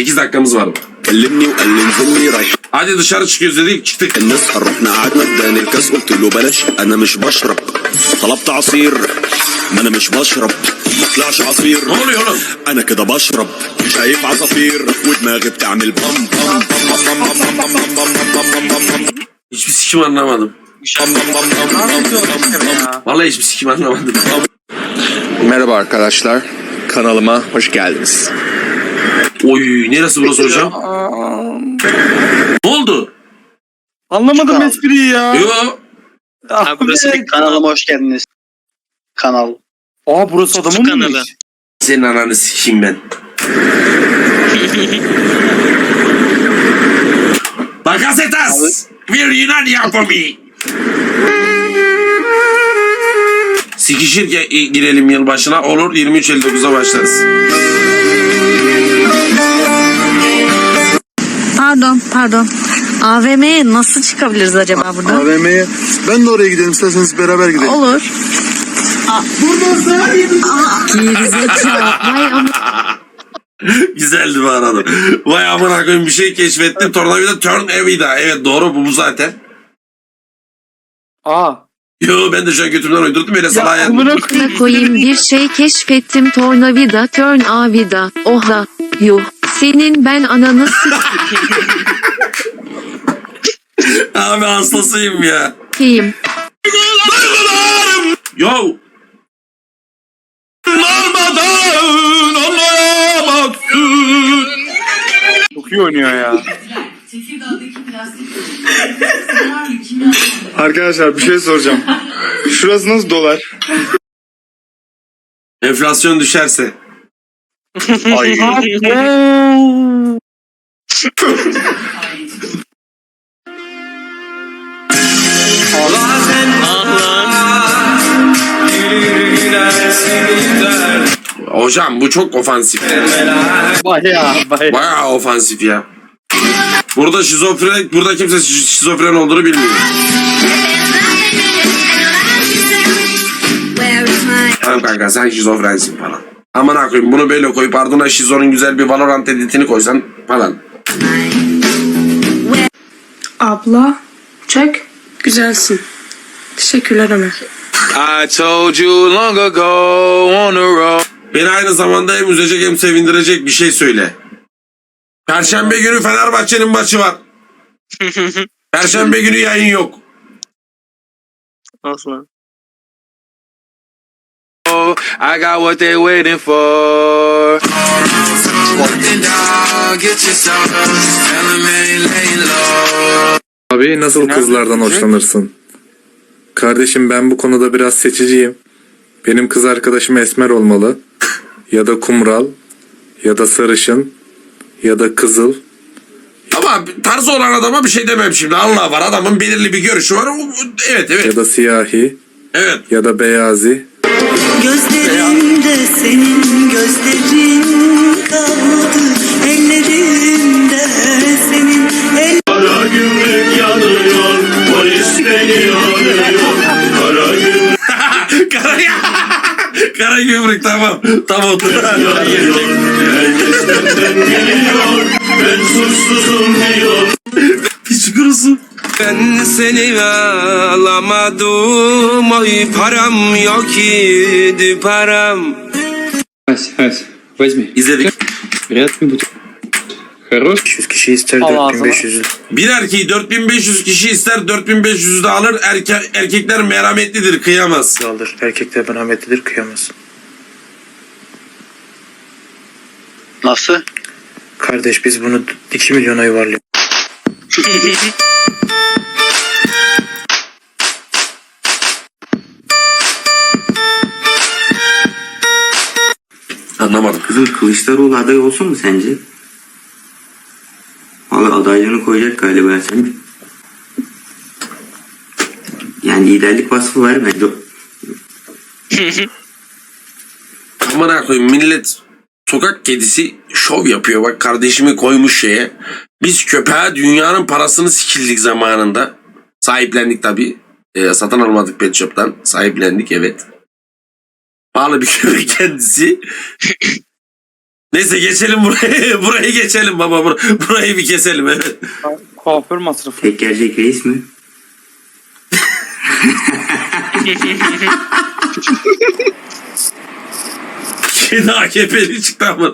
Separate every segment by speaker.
Speaker 1: 8 dakikamız var.
Speaker 2: كلمني وقال لي انزلني رايح
Speaker 1: Hadi dışarı çıkıyoruz dedik, çıktık.
Speaker 2: الناس رحنا قعدنا اداني الكاس قلت له بلاش انا مش بشرب طلبت عصير ما انا مش بشرب ما طلعش عصير
Speaker 1: Ne oluyor oğlum?
Speaker 2: انا كده بشرب شايف عصافير ودماغي بتعمل بام بام بام بام بام بام بام بام بام بام بام.
Speaker 1: Hiçbir sikim anlamadım. Vallahi hiçbir sikim anlamadım.
Speaker 3: Merhaba arkadaşlar, kanalıma hoş geldiniz.
Speaker 1: Oy, neresi burası hocam? Ne oldu?
Speaker 4: Anlamadım espriyi ya.
Speaker 1: Yo.
Speaker 5: Ha, burası bir kanalıma hoş geldiniz. Kanal.
Speaker 4: Aa burası adamın
Speaker 5: Kanalı.
Speaker 4: mı?
Speaker 1: Senin ananı sikeyim ben. Bakasetas! Bir Yunan yapımı. Sikişir girelim yılbaşına, olur 23.59'a başlarız.
Speaker 6: Pardon. AVM'ye nasıl çıkabiliriz acaba buradan?
Speaker 7: AVM'ye. Ben de oraya gidelim, isterseniz beraber gidelim.
Speaker 6: Olur. Gerizekalı. Vay ama.
Speaker 1: Güzeldi bu arada. Vay amına koyayım, bir şey keşfettim. Tornavida turn evida. Evet doğru, bu zaten.
Speaker 4: Aa.
Speaker 1: Yo, ben de şu an götümden uydurdum, öyle salağa yendim.
Speaker 4: Amına
Speaker 6: Ne koyayım, bir şey keşfettim, tornavida turn avida. Oha. Yuh. Senin ben ananı
Speaker 1: Abi hastasıyım ya.
Speaker 6: s**eyim.
Speaker 1: Yo.
Speaker 4: çok iyi oynuyor ya.
Speaker 7: Arkadaşlar bir şey soracağım. Şurası nasıl dolar?
Speaker 1: Enflasyon düşerse.
Speaker 7: Ay.
Speaker 1: Hocam bu çok ofansif.
Speaker 4: Bayağı.
Speaker 1: Bayağı ofansif ya. Burada şizofren, burada kimse şizofren olduğunu bilmiyor. Tamam kanka, sen şizofrensin falan. Aman koyayım, bunu böyle koyup ardına şizonun güzel bir Valorant editini koysan falan.
Speaker 8: Abla, çek. Güzelsin. Teşekkürler Ömer.
Speaker 3: I told you long ago on the road.
Speaker 1: Beni aynı zamanda hem üzecek hem sevindirecek bir şey söyle. Perşembe günü Fenerbahçe'nin maçı var. Perşembe günü yayın yok.
Speaker 5: Nasıl?
Speaker 3: I got what they waiting for.
Speaker 9: Abi nasıl kızlardan hoşlanırsın? Kardeşim, ben bu konuda biraz seçiciyim. Benim kız arkadaşım esmer olmalı. Ya da kumral. Ya da sarışın. Ya da kızıl.
Speaker 1: Ama tarzı olan adama bir şey demem şimdi. Allah var, adamın belirli bir görüşü var. Evet.
Speaker 9: Ya da siyahi.
Speaker 1: Evet.
Speaker 9: Ya da beyazi.
Speaker 10: Gözlerinde senin gözlerin kaldı, ellerinde senin
Speaker 2: Kara gümrük yanıyor, polis beni arıyor. Kara gümrük
Speaker 1: Kara gümrük, tamam. Tam otur.
Speaker 2: yanıyor, herkes benden geliyor. Ben suçsuzum diyor.
Speaker 1: Piç kurusu.
Speaker 3: Ben seni alamadım, oy param yok idi param.
Speaker 1: İzledik.
Speaker 9: 500 kişi ister,
Speaker 4: Allah
Speaker 9: 4500.
Speaker 1: Bir erkeği 4500 kişi ister, 4500'ü de alır. Erkekler merhametlidir, kıyamaz.
Speaker 9: alır. Erkekler merhametlidir, kıyamaz.
Speaker 5: Nasıl?
Speaker 9: Kardeş, biz bunu 2 milyona yuvarlıyoruz.
Speaker 1: Anlamadım.
Speaker 11: Kızım, Kılıçdaroğlu aday olsun mu sence? Valla adaylığını koyacak galiba sen. Yani liderlik vasfı var bence.
Speaker 1: Amına koyayım, millet sokak kedisi şov yapıyor. Bak, kardeşimi koymuş şeye. Biz köpeğe dünyanın parasını sikildik zamanında. Sahiplendik tabii. Satın almadık pet shop'tan. Sahiplendik, evet. Pahalı bir köpek kendisi. Neyse geçelim buraya. Burayı geçelim baba. Burayı bir keselim evet.
Speaker 4: Kuaför masrafı.
Speaker 11: Tek gelecek reis mi?
Speaker 1: Kedi AKP'li çıktı ama.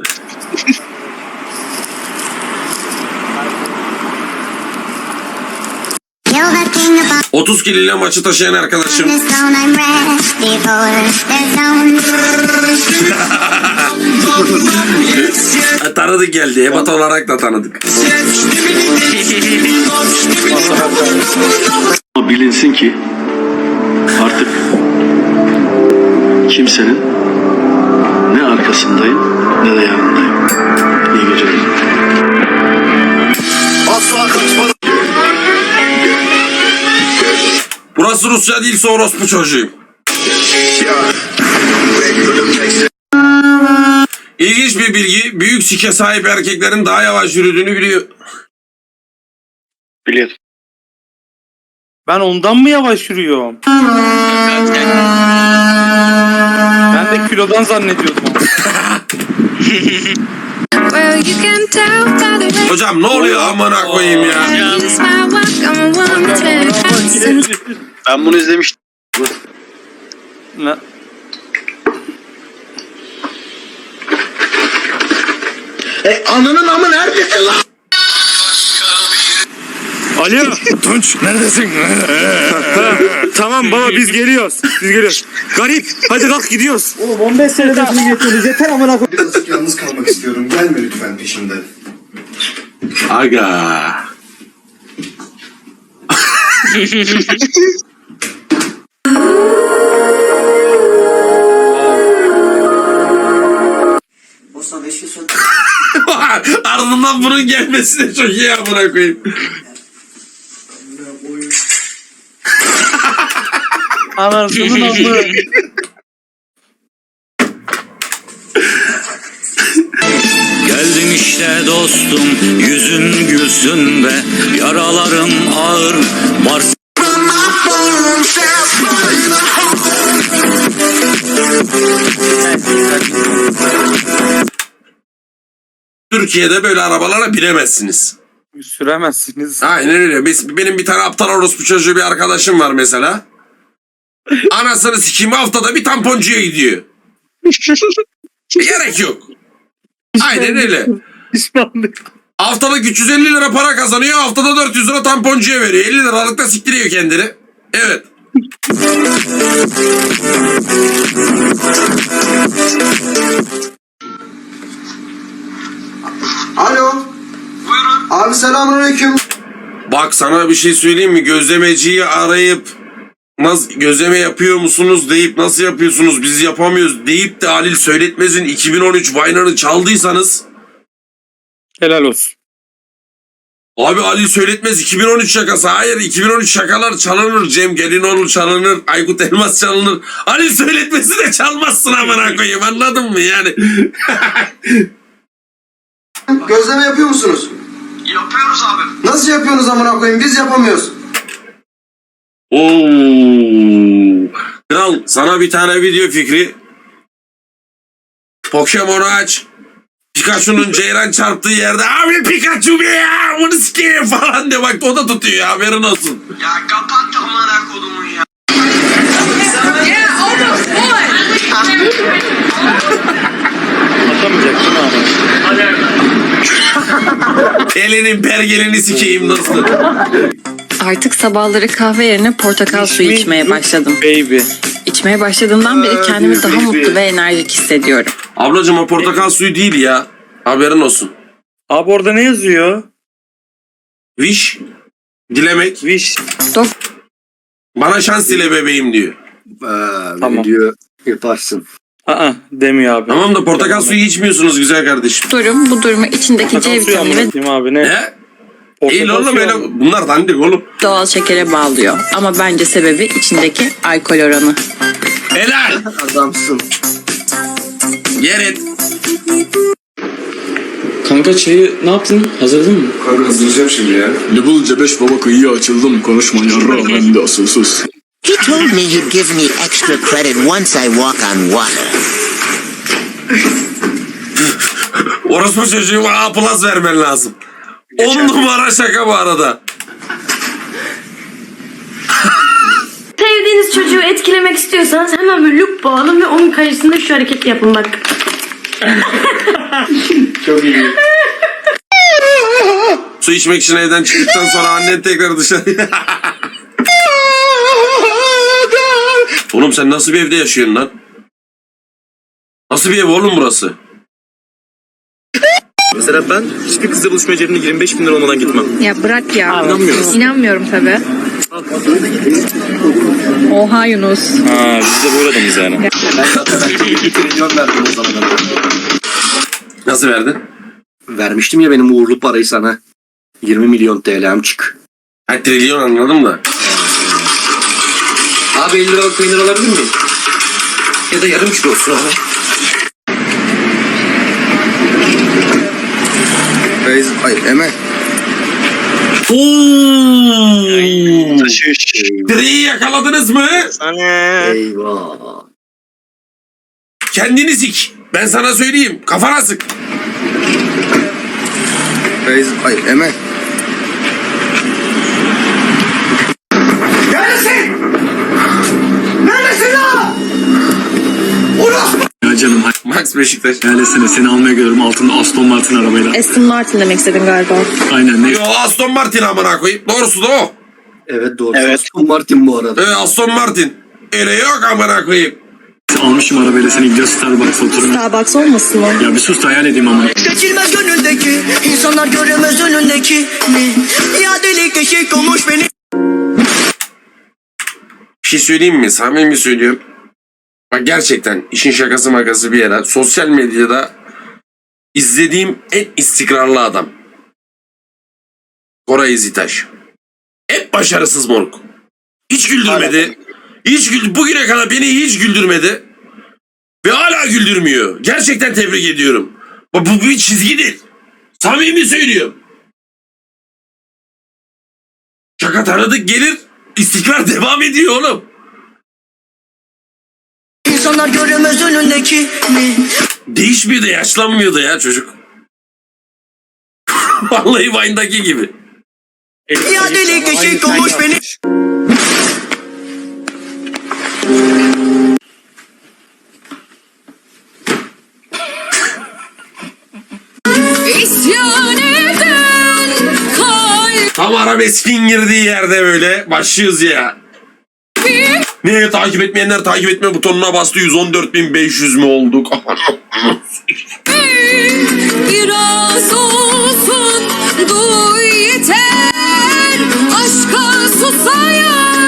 Speaker 10: You're the king of
Speaker 1: 30 kilo ile maçı taşıyan arkadaşım.
Speaker 10: this zone I'm ready for. There's zone.
Speaker 1: Tanıdık geldi. Ebat olarak da tanıdık.
Speaker 2: Bilinsin ki artık kimsenin ne arkasındayım ne de yanındayım. İyi geceler.
Speaker 1: Burası Rusya değilse orospu çocuğuyum. İlginç bir bilgi. Büyük sike sahip erkeklerin daha yavaş yürüdüğünü biliyor.
Speaker 5: Biliyorum.
Speaker 4: Ben ondan mı yavaş yürüyorum? Ben de kilodan zannediyordum.
Speaker 1: Hocam ne oluyor amına koyayım ya?
Speaker 5: Ben bunu izlemiştim.
Speaker 4: Ne?
Speaker 2: Ananın amı neredesin lan?
Speaker 7: Alo Tunç neredesin? Tamam baba biz geliyoruz. Garip hadi kalk gidiyoruz.
Speaker 12: Oğlum 15 senede bunu getiriyoruz. Yeter amına koyayım.
Speaker 2: Birazcık yalnız kalmak istiyorum. Gelme lütfen peşimden.
Speaker 1: Aga. Ardından bunun gelmesi de çok iyi amına koyayım.
Speaker 4: Anasının amı.
Speaker 12: Geldim işte dostum, yüzün gülsün be, yaralarım ağır, var.
Speaker 1: Türkiye'de böyle arabalara binemezsiniz.
Speaker 4: Süremezsiniz.
Speaker 1: Aynen öyle. Benim bir tane aptal orospu çocuğu bir arkadaşım var mesela. Anasını sikeyim haftada bir tamponcuya gidiyor. Gerek yok. Aynen öyle.
Speaker 4: Pişmanlık.
Speaker 1: Haftalık 350 lira para kazanıyor. Haftada 400 lira tamponcuya veriyor. 50 liralık da siktiriyor kendini. Evet.
Speaker 2: Alo. Buyurun. Abi selamünaleyküm.
Speaker 1: Bak sana bir şey söyleyeyim mi? Gözlemeciyi arayıp nasıl gözleme yapıyor musunuz deyip nasıl yapıyorsunuz biz yapamıyoruz deyip de Halil Söyletmez'in 2013 Vine'ını çaldıysanız
Speaker 4: Helal olsun.
Speaker 1: abi Halil Söyletmez 2013 şakası. Hayır 2013 şakalar çalınır. Cem Gelinoğlu çalınır. Aykut Elmas çalınır. Halil Söyletmez'i de çalmazsın amına koyayım anladın mı yani?
Speaker 2: Gözleme yapıyor musunuz?
Speaker 5: Yapıyoruz abi.
Speaker 2: Nasıl yapıyorsunuz amına koyayım? Biz yapamıyoruz.
Speaker 1: Oo. Kral sana bir tane video fikri. Pokemon'u aç. Pikachu'nun ceyran çarptığı yerde abi Pikachu be ya bunu sikeyim falan de bak o da tutuyor ya haberin olsun.
Speaker 5: Ya kapat amına kodumun ya.
Speaker 4: Atamayacaksın abi.
Speaker 1: Elinin pergelini sikeyim dostum.
Speaker 8: Artık sabahları kahve yerine portakal suyu içmeye başladım.
Speaker 4: Baby.
Speaker 8: İçmeye başladığımdan beri kendimi daha mutlu ve enerjik hissediyorum.
Speaker 1: Ablacım o portakal suyu değil ya. Haberin olsun.
Speaker 4: Abi orada ne yazıyor?
Speaker 1: Wish. Dilemek.
Speaker 4: Wish.
Speaker 1: Bana şans dile bebeğim diyor.
Speaker 4: Tamam.
Speaker 2: Diyor yaparsın.
Speaker 4: Demiyor abi.
Speaker 1: Tamam da portakal suyu içmiyorsunuz güzel kardeşim.
Speaker 8: Bu durumu içindeki C vitamini ve
Speaker 4: Anlatayım abi ne?
Speaker 1: He? İyi oğlum öyle bunlar dandik oğlum.
Speaker 8: doğal şekere bağlıyor. Ama bence sebebi içindeki alkol oranı.
Speaker 1: Helal.
Speaker 2: Adamsın.
Speaker 1: Yer et.
Speaker 12: Kanka çayı ne yaptın? Hazırladın mı?
Speaker 2: Kanka hazırlayacağım şimdi ya.
Speaker 12: Ne bulunca 5 baba kıyıya açıldım. Konuşma yarrağım hem de asılsız.
Speaker 10: He told me he'd give me extra credit once I walk on water.
Speaker 1: Orospu çocuğu A+ vermen lazım. 10 numara şaka bu arada.
Speaker 13: Sevdiğiniz çocuğu etkilemek istiyorsanız hemen bir loop bağlayın ve onun karşısında şu hareketi yapın bak.
Speaker 7: Çok iyi.
Speaker 1: Su içmek için evden çıktıktan sonra annen tekrar dışarı. Oğlum sen nasıl bir evde yaşıyorsun lan? Nasıl bir ev oğlum burası?
Speaker 2: Mesela ben hiçbir kızla buluşmaya cebimde 25 bin lira olmadan gitmem.
Speaker 8: Ya bırak ya.
Speaker 2: İnanmıyoruz.
Speaker 8: İnanmıyorum tabii. Oha Yunus.
Speaker 2: Ha biz de böyle adamız yani.
Speaker 1: Nasıl verdin?
Speaker 5: Vermiştim ya benim uğurlu parayı sana. 20 milyon TL'm çık.
Speaker 1: Ha, trilyon anladım da.
Speaker 5: Abi 50 liralık peynir alabilir miyim? Ya da yarım kilo olsun abi.
Speaker 2: Ay Emel.
Speaker 1: Direği yakaladınız mı?
Speaker 5: Eyvah.
Speaker 1: Kendini sik. Ben sana söyleyeyim. Kafana sık.
Speaker 2: Ay Emel.
Speaker 12: Ya canım
Speaker 1: Max Beşiktaş.
Speaker 12: hayalesene seni almaya geliyorum altında Aston Martin arabayla.
Speaker 8: Aston Martin demek istedin galiba.
Speaker 12: Aynen ne?
Speaker 1: Yo, Aston Martin amına koyayım. Doğrusu da o.
Speaker 5: Evet doğru. Evet. Aston Martin bu arada.
Speaker 1: Aston Martin. Öyle yok amına koyayım.
Speaker 12: Almışım arabayla seni gidiyoruz Starbucks'a oturuyoruz.
Speaker 8: Starbucks olmasın o?
Speaker 12: Ya bir sus da hayal edeyim ama.
Speaker 10: Seçilmez gönüldeki, insanlar göremez önündeki. Ya delik eşik olmuş beni.
Speaker 1: Bir şey söyleyeyim mi? Samimi söylüyorum. Bak gerçekten işin şakası makası bir yere. Sosyal medyada izlediğim en istikrarlı adam. Koray İzitaş. Hep başarısız moruk. Hiç güldürmedi. Bugüne kadar beni hiç güldürmedi. Ve hala güldürmüyor. Gerçekten tebrik ediyorum. Bak bu bir çizgi değil. Samimi söylüyorum. Şaka tanıdık gelir. İstikrar devam ediyor oğlum.
Speaker 10: İnsanlar göremez önündeki.
Speaker 1: Değişmiyor da yaşlanmıyor da ya çocuk. Vallahi Vine'daki gibi.
Speaker 10: Ya delik eşik olmuş beni.
Speaker 1: Tam arabeskin girdiği yerde böyle başlıyoruz ya. Niye takip etmeyenler takip etme butonuna bastı, 114.500 mü olduk?
Speaker 8: Biraz olsun duy yeter. Aşka susayan